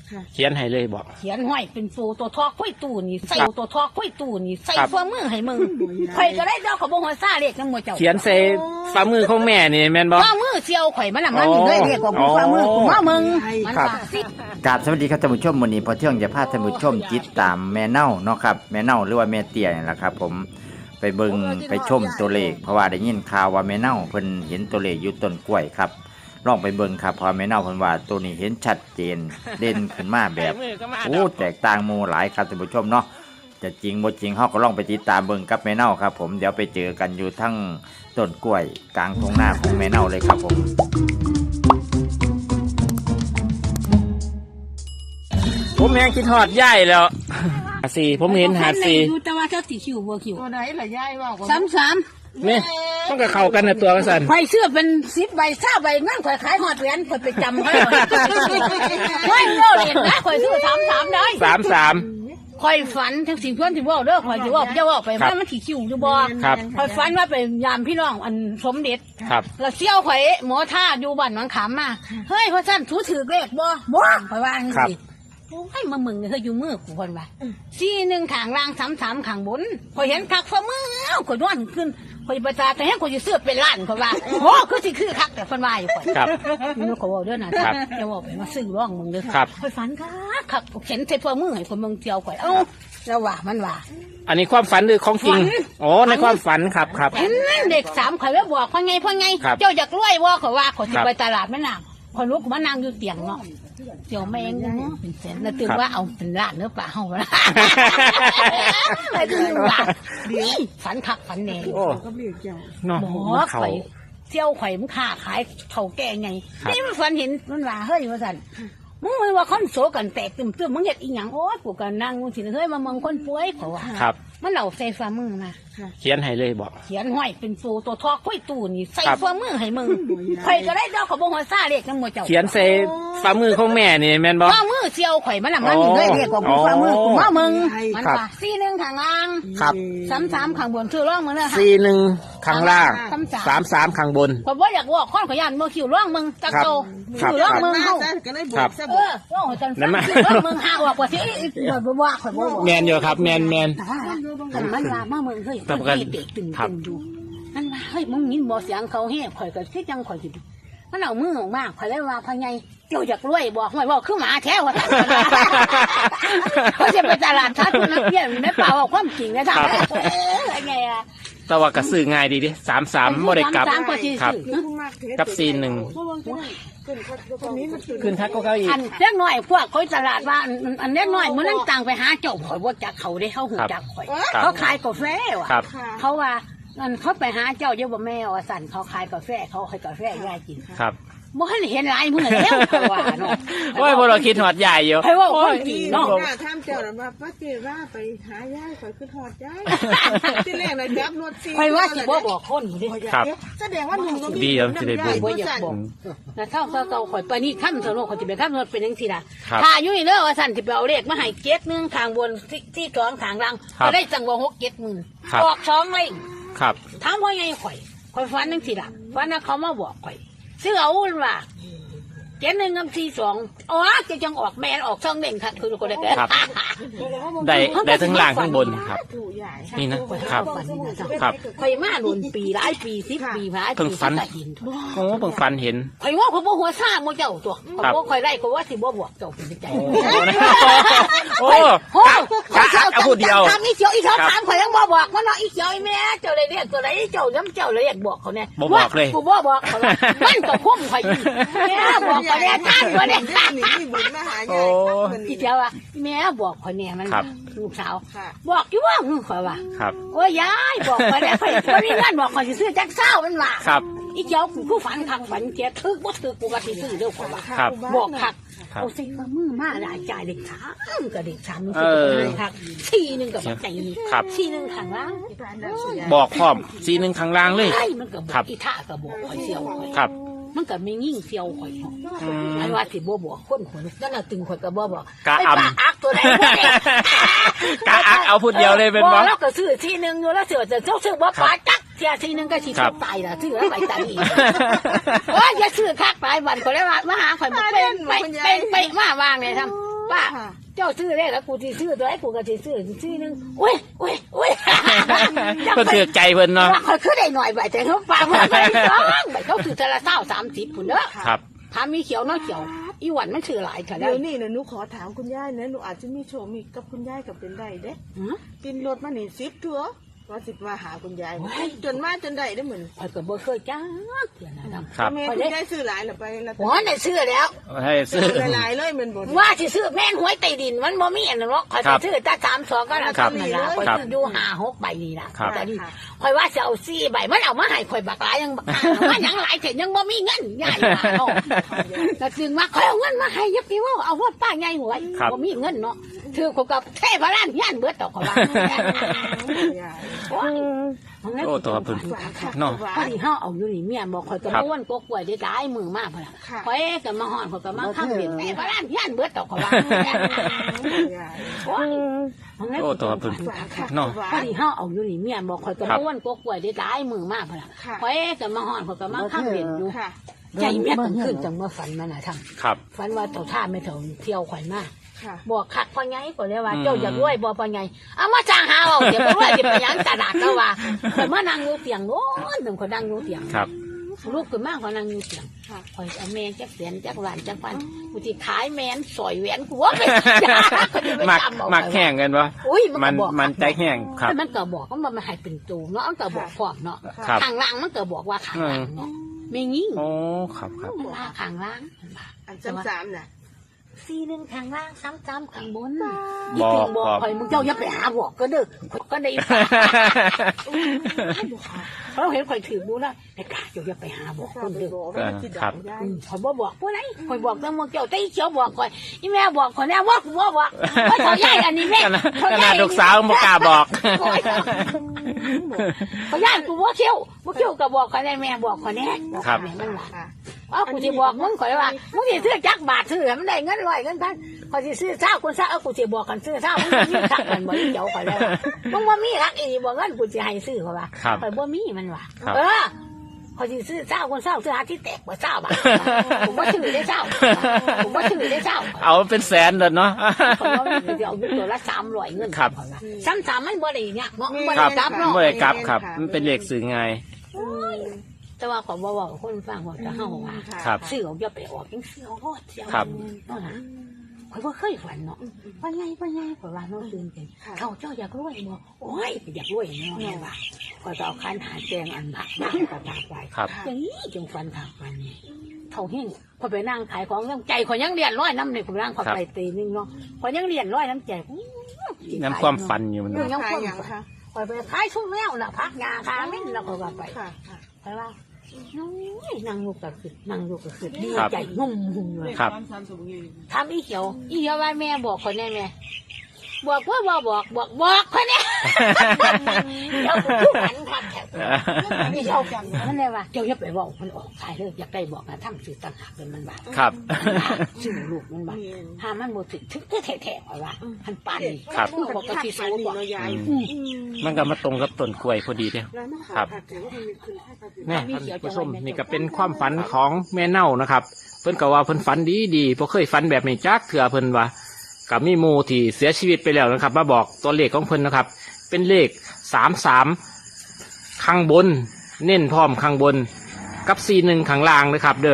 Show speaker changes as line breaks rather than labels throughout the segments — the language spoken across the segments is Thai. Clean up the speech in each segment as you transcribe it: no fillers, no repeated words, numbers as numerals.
เขียนให้เลยบอก
เขียนห้อยเป็นฟูตัวทอกค่อยตู้นี่ใส่ตัวทอกค่อยตู้นี่ใส่ฝ่ามือให้มึงข่อยก็ได้ดอกขบ่หัวซ่าเลขนำหมู่เจ้า
เขียนใส่ฝ่ามือของแม่นี่แม่นบ่
ฝ่ามือเสี่ยวข่อยมันน่ะมันนี่เลยเลขของฝ่ามือกูมามึงมันว่าสิ
กราบสวัสดีครับท่านผู้ชมวันนี้พอเที่ยงจะพาท่านผู้ชมจิตตามแม่เน่าเนาะครับแม่เน่าหรือว่าแม่เตี้ยนี่แหละครับผมไปเบิ่งไปชมตัวเลขเพราะว่าได้ยินข่าวว่าแม่เน่าเพิ่นเห็นตัวเลขอยู่ต้นกล้วยครับลองไปเบิ่งครับเพราะแม่เน่าเพิ่นว่าตัวนี้เห็นชัดเจนเด่นขึ้นมาแบบโอ้แตกต่างหมู่หลายครับท่านผู้ชมเนาะจะจริงบ่จริงเฮาก็ลองไปติดตามเบิ่งกับแม่เน่าครับผมเดี๋ยวไปเจอกันอยู่ทั้งต้นกล้วยกลางทุ่งนาของแม่เน่าเลยครับผม
ผมแฮงคิดฮอดยายแล้ว54ผมเห็น54
อยู่แต่ว่าเจ้าสิคิวบ่คิว
ตัวไหนล่ะยายว่า
33
นี่มันก็เข้ากันในตัวกันซั่น
ข่อยเสื้อเป็น10ใบ20ใบงั้นข่อยขายฮอดเหรียญข่อยไปจำเขาข่อยโลเด็ดนะข่อยซื้อ33ได้
33
ข่อยฝันทั้งสิ่งเพื่อนที่ว่าเด้อข่อยสิว่าจะว่าไปมันสิคิวอยู่บ่ข่อยฝันว่าไปยามพี่น้องอันสมเด็จ
ครับ
แล้วเสี่ยวข่อยหมอท่าอยู่บ้านหนองขามมาเฮ้ยพ่อท่านถูถือเลขบ่ข่อยว่าจังซี่โอ้ยมามึงเฮ้ยอยู่มือกูคนว่า41ข้างล่าง33ข้างบนข่อยเห็นคักฝ่ามือข่อยนอนขึ้นข่อยประจาแต่ให้ข่อยสิซื้อเป็นล้านข่อยว่าโอ้คือสิคือคักแต่เพิ่นว่าอยู่ข่อย
ครับ
นี่ข่อยว่าเด้อนะจะว่าไปมาซื้อร่องมึงเด้อข่อยฝันคักเห็นใส่ฝ่ามือให้คนเมืองเที่ยวข่อยเอ้าแล้วว่ามันว่า
อันนี้ความฝันหรือของจริงอ๋อในความฝันครับ
เด็ก3ข่อยแล้วบอกพ่อไงเจ้าอยากรวยบ่ข่อยว่าข่อยสิไปตลาดแม่น้ำข่อยลุกมานั่งอยู่เตียงเนาะเดี๋ยวแม่งเป็นแสนแล้วตื่นว่าเอาเป็นล้านเนื้อปลาเฮาละไม่ตื่นว่าฝันคักฝันแน่
ก็เรียกเจ้า
เนาะ
ข่อยเที่ยวข่อยมันค้าขายเฒ่าแก่ไงนี่มันฝันเห็นมันว่าเฮ้ยว่าซั่นมึงว่าคนโสกันแตกตึมๆมึงเฮ็ดอีหยังโอ๊ยกูก็นั่งมึงสิเฮ้ยมามองคนป่วยเพราะว่า
ครับ
มันเอาใส่ฝ่ามือมา
เขียนให้เลยบอก
เขียนห้อยเป็นฟูตัวทอกค่อยตู้นี่ใส่ฝ่ามือให้มึงข่อยก็ได้ดอกขบ่หัวซ่าเลขนำหมู่เจ้า
เขียนใส่ฝ่ามือของแม่นี่แม่นบ่
ฝ่ามือเสี่ยวข่อยมันน่ะมันนี่เลยเลขของฝ่ามือกูมามึงมันว่า41ข้างล่าง
ครับ
33ข้างบนชื่อร่องมึงเด้อค่ะ
41ข้างล่าง33ข้างบน
ข่อยบ่อยากว่าคนขยันบ่คิวร่องมึงจักโตชื่อร่องมึงเฮา
ก็เลยบอกซะบ่
ร่องจังซั่นชื่อร่องมึงหาว่าสิบ่ว่าข่อยบ่
แม่นอยู่ครับแม่น
มันว่ามามึงเฮ้ยเด็กตึงอยู่มันว่าเฮ้ยมึงยินบ่เสียงเขาแฮ่ข่อยก็คือจังข่อยสิมันเอามือออกมาข่อยเลยว่าพ่อใหญ่เจ้าอยากรวยบ่ห่วยบ่คือหมาแท้ว่าเขาจะไปตลาดทัดนักเรียนไม่เปล่าเอาความจริงนะท่านอะไรไงอ่ะ
แต่ว่าก็ซื้อง่ายดีดิ33บ่ได้กลับครับกับ41ขึ้นทักก็อีก
อันเล็กน้อยพวกเขาตลาดว่าอันเล็กน้อยมื้อนั้นต่างไปหาเจ้าข่อยบ่จักเขาได้เขาหูจักข่อยเขาขายกาแฟว่ะเขาว่าเขาไปหาเจ้าเยอะบ่แม่ว่าสั่นเขาขายกาแฟเขาให้กาแฟยายกิน
ครับ
บ่ให้เห็นหลายมื้อแล้วว่าเนาะ
โอ้ยบ่เราคิดฮอดยายอยู่
ให้ว่าคนจริงเนาะ
ถามเจ้าน่ะว่าป้าเจ้ว่าไปหายายข่อยคือฮอดยายที่แรกน่ะจับรถ4
ข่อยว่าสิบ่บอกคนดิ
ครับ
แสดงว่าหนุ่มก็มี
ดีสิได้
บ่อยากบอกแต่เท่าข่อยไปนี่ค่ำซะเนาะข่อยสิไปค่ำรถเป็นจังซี่ล่ะถ้าอยู่นี่เด้อว่าสั่นสิไปเอาเลขมาให้71ข้างบนที่2ข้างล่างก็ได้จังว่า6-7,000ออก2เลย
ครับ
ถามว่าไงข่อยฝันจังซี่ล่ะฝันว่าเขามาบอกข่อยซื้อเอาว่า71กับ42อ๋อจะจังออกแม่นออกช่องเด่นค่ะคือคนได้
ครับได้ทั้งล่างทั้งบนครับนี่นะครับครับ
ข่อยมารุ่นปีหลายปี10ปีหลายปี
ฝันโอ้เพิ่งฝันเห็น
ข่อยว่าข่อยบ่หัวซ่าบ่เจ้าตัวข่อยบ่ข่อยได้ข่อยว่าสิบ่บอกเจ้าเป็นใจ
โอ้เอาพูดเดียว
ถามอีเขียวอีเขาถามข่อยยังบ่บอกว่าเนาะอีเขียวอีแม่เจ้าได้เรียกตัวไหนเจ้าย้ำเจ้าเลยอยากบอกเขาแน่
บ่บอกเลย
กูบ่บอกเขามันก็คุ้มข่อยแม่บอกข่อยแน่ท่านบ่ได้
นี่บุญมาหายาย
อีเขียวว่าแม่บอกข่อยแน่มันลูกสาวบอกอยู่ว่าข่อยว่าโอ้ยยายบอกข่อยแล้วข่อยบ่มีเงินบอกข่อยสิซื้อจักเช้ามันว่าอีเขียวกูผู้ฝันคักฝันแกถึกบ่ถึกกูว่าสิซื้อเด้อข่อยว่าบอกคักเอาสิว่ามือมาละจ่ายเด็ก3ก็เด็ก3มันสิเป็นคัก41ก็บ่ใจ41ข้างล่าง
บอกพร้อม41ข้างล่างเลย
มันก็บอกอีท่าก็บอกข่อยเสียวข่อยมันก็ไม่ยิ่งเสียวข่อยอันว่าสิบ่บอกคนนั่นน่ะตึงข่อยก็บ่บอก
กะอัก
ตัวใด
กะอักเอาพูดเดียวเลยเป็นบ่
แล้วก็ซื้อทีนึงอยู่แล้วซื้อบ่ปาจักเสียทีนึงก็สิตายล่ะซื้อไปตายอีกว่าอย่าซื้อคักหลายวันก็เลยว่ามาหาข่อยบ่เป็นไปมาวางเลยทำป้าเจ้าซื้อได้แล้วกูสิซื้อตัวไอ้กูก็สิซื้อนึงโอ้ย
เพิ่นถือใจเพิ่นเนาะ
ว่าเขาคือได้หน่อยใบแต่เขาฟังว่าไม่ต้องใบเขาถือแต่ละ30พุ่นเด้อ
ครับ
ถ้ามีเขียวน้อยเขียวอีหวันมันถือหลายค่ะได้
เดี๋ยวนี้นะหนูขอถามคุณยายนะหนูอาจจะมีโชว์มีกับคุณยายกับเป็นได้เด้กินรถมานี่10ทั่วว่าสิมาหาคุณยายจนมาจนได้ได้เหมือน
ข่อยก็บ่เคยจ้าเถื่อนะ
ครับ
แม่คุณยายซื้อหลายหรือไปแล้ว
หัวได้ซื้อแล้ว
ให้ซื้อ
หลายเลยเหมือนบน
ว่าสิซื้อแม่นหวยใต้ดินมันบ่มีอันนั้นหรอกข่อยสิซื้อแต่32ก็แล้ว
ครับ
นั่นล่ะข่อย
ครับ
ซื้ออยู่5-6ใบนี่ล่ะ
ครับ
แต่นี่ข่อยว่าจะเอา4ใบมันเอามาให้ข่อยบักหลายยังบักหาว่าหยังหลายแต่ยังบ่มีเงินใหญ่มาเนาะก็จึงว่าข่อยเอาเงินมาให้ยับพี่ว่าเอาว่าป้าใหญ่หวยบ่มีเงินเนาะถือเขากับเทพร้านย่านเบิดตอกเขาว่าโอ้
ตัวเพิ่นเนาะ
พอดีเฮาเอาอยู่นี่เมียบอกข่อยก็บ่วนกกล้วยได้หลายมือมากพุ่นล่ะข่อยก็มาฮ้อนข่อยก็มาข้างเล่นเทพร้านย่านเบิดตอกเขาว่า
โอ้ตัวเพิ่นเนาะ
พอดีเฮาเอาอยู่นี่เมียบอกข่อยก็บ่วนกกล้วยได้หลายมือมากพุ่นล่ะข่อยก็มาฮ้อนข่อยก็มาข้างเล่นอยู่ใจเมียต้องขึ้นจังเมื่อฝันมาน่ะทำ
ครับ
ฝันว่าเต่าท่าไม่เท่าเที่ยวข่อยมาบอกขัดพ่อไงก็เลยว่าเจ้าอยากรวยบ่พ่อไงเอามาจ้างหาเอาเดี๋ยวบ่รวยสิไปหยังตลาดก็ว่าข่อยมานั่งอยู่เตียงโน้นหนึ่งข่อยนั่งอยู่เตียง
ครับ
ลูกขึ้นมาข่อยนั่งอยู่เตียงข่อยเอาแมงจักแสนจักหวานจักพันกูสิขายแมนสอยแหวนกูว่าไป
มักแห้งกันวะ
อุ้ย
มันใจแห้งครับ
มันก็บอกว่ามันให้เป็นตูเนาะมันก็บอกพร้อมเนาะ
ครับ
ข้างล่างมันก็บอกว่าข้างล่างเนาะไม่งิ่ง
โอ้ครับครับ
มันว่าข้างล่างมันว่า
อันซ้ำๆน่ะ
41ข้างล่าง3ข้างบน
บอก
บอกข่อยมึงเจ้าอย่าไปหาบอกก็เด้อข่อยก็ได้เราเห็นข่อยถือดูแล้วไอ้กาเจ้าอย่าไปหาบอกคนเด้อ
ครับ
ข่อยบ่บอกผู้ใดข่อยบอกแต่มึงเจ้าแต่อีเขียวบอกข่อยอีแม่บอกข่อยแน่ว่ากูบ่บอกว่าเท่าใหญ่อันนี้แม่
ขนาดลูกสาวบ่กล้าบอก
ข่อยย่านกูบ่เขียวก็บอกข่อยแน่แม่บอกข่อยแน่บอกแม่มันว่าเอากูสิบอกมึงข่อยว่ามึงสิซื้อจักบาทซื้อมันได้เงิน100เงินพันข่อยสิซื้อเช้าคนซะเอากูสิบอกกันซื้อเช้ามึงมีทักมันบ่เขียวข่อยแล้วมึงบ่มีทักอีบ่เงินกูสิให้ซื้อข่อยว่าข่อยบ่มีมันว่าข่อยสิซื้อเช้าคนเช้าซื้อหาที่แตกบ่เช้าบาทผมบ่ซื้อได้เช้าผมบ่ซื้อได้เช้า
เอาเป็นแสนเลยเนาะ
ข่อยว่าเดี๋ยวเอาตัวละ300เงินข่อยว่า3มันบ่ได้ยากเนาะบ่
ครั
ได้
บ
กลับเนาะ
ไม่ได้กลับครับ มันเป็นเลขสื่อไง
แต่ว่าข่อยบ่เว้าคนฟังว่าจะเฮาว่า
ครับ
ซื้อเอาอย่าไปออกจังซื้อเอาโลดเสีย
ครับ
เนาะนะข่อยบ่เคยฝันเนาะว่าไงข่อยว่าน้องตื่นกันเขาเจ้าอยากรวยบ่โอ้ยอยากรวยเนาะแม่ว่าข่อยก็เอาคันหาแจงอันผักมาก็ตากไว้
ครับ
อย่างนี้จึงฝันทางวันนี้เท่าเฮงข่อยไปนั่งขายของยังใจข่อยยังเรียนร้อยน้ำในข่อยนั่งข่อยไปตีนึงเนาะข่อยยังเรียนร้อยน้ำใจ
น้ำความฝันอยู่มัน
ยังความฝันข่อยไปขายชุ่มแล้วน่ะพักงาคาเม่นแล้วข่อยว่าไป ไปว่านั่งอยู่กับคือดีใจงุ่มหุ่มเลย
ครับ
ทำอีเขียวว่าแม่บอกคนแน่แม่บอกว่าบอกคนแน่เดี๋ยวผมพูดหันทักแถวนี่เจ้ามันเลยว่าเจ้าอย่าไปบอกมันออกขายเลยอยากได้บอกนะทำสื่อต่างหากเป็นมันบาป
ครับ
สื่อลูกมันบาปถ้ามันหมดถึงแท้ๆว่ามันปั่น
ครับ
บอกกับที่สูงบอก
มันก็มาตรงกับต้นกล้วยพอดีเลยครับเนี่ยท่านผู้ชมนี่ก็เป็นความฝันของแม่เน่านะครับ เพิ่นก็ว่าเพิ่นฝันดีเพราะเคยฝันแบบนี้จักเถื่อเพิ่นว่ากับมีหมู่ที่เสียชีวิตไปแล้วนะครับ มาบอกตัวเลขของเพิ่นนะครับ เป็นเลข33ข้างบน เน้นพร้อมข้างบนกับ41ข้างล่างนะครับ เด้อ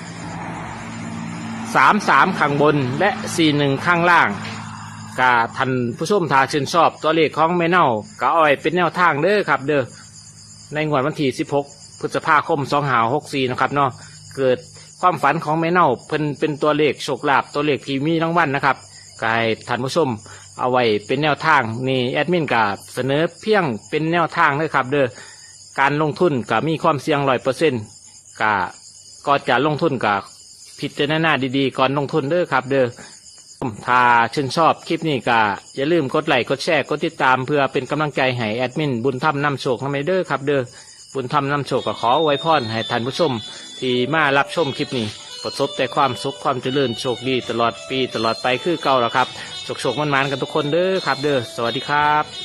33ข้างบนและ41ข้างล่างกาท่านผู้ชมถ้าชื่นชอบตัวเลขของแม่เน่าก็เอาไว้เป็นแนวทางเด้อครับ เด้อในงวดวันที่16พฤษภาคม2564นะครับเนาะเกิดความฝันของแม่เน่าเพิ่นเป็นตัวเลขโชคลาภตัวเลขที่มีรางวัลนะครับก็ให้ท่านผู้ชมเอาไว้เป็นแนวทางนี่แอดมินก็เสนอเพียงเป็นแนวทางเลยครับเด้อการลงทุนก็มีความเสี่ยง100%ก็จะลงทุนกับพิจารณาดีๆก่อนลงทุนเด้อครับเด้อถ้าชื่นชอบคลิปนี้ก็อย่าลืมกดไลค์กดแชร์กดติดตามเพื่อเป็นกำลังใจให้แอดมินบุญธรรมนำโชคนำเด้อครับเด้อบุญธรรมนำโชคก็ขออวยพรให้ท่านผู้ชมที่มารับชมคลิปนี้ประสบแต่ความสุขความเจริญโชคดีตลอดปีตลอดไปคือเก่าแล้วครับโชคมันๆกันทุกคนเด้อครับเด้อสวัสดีครับ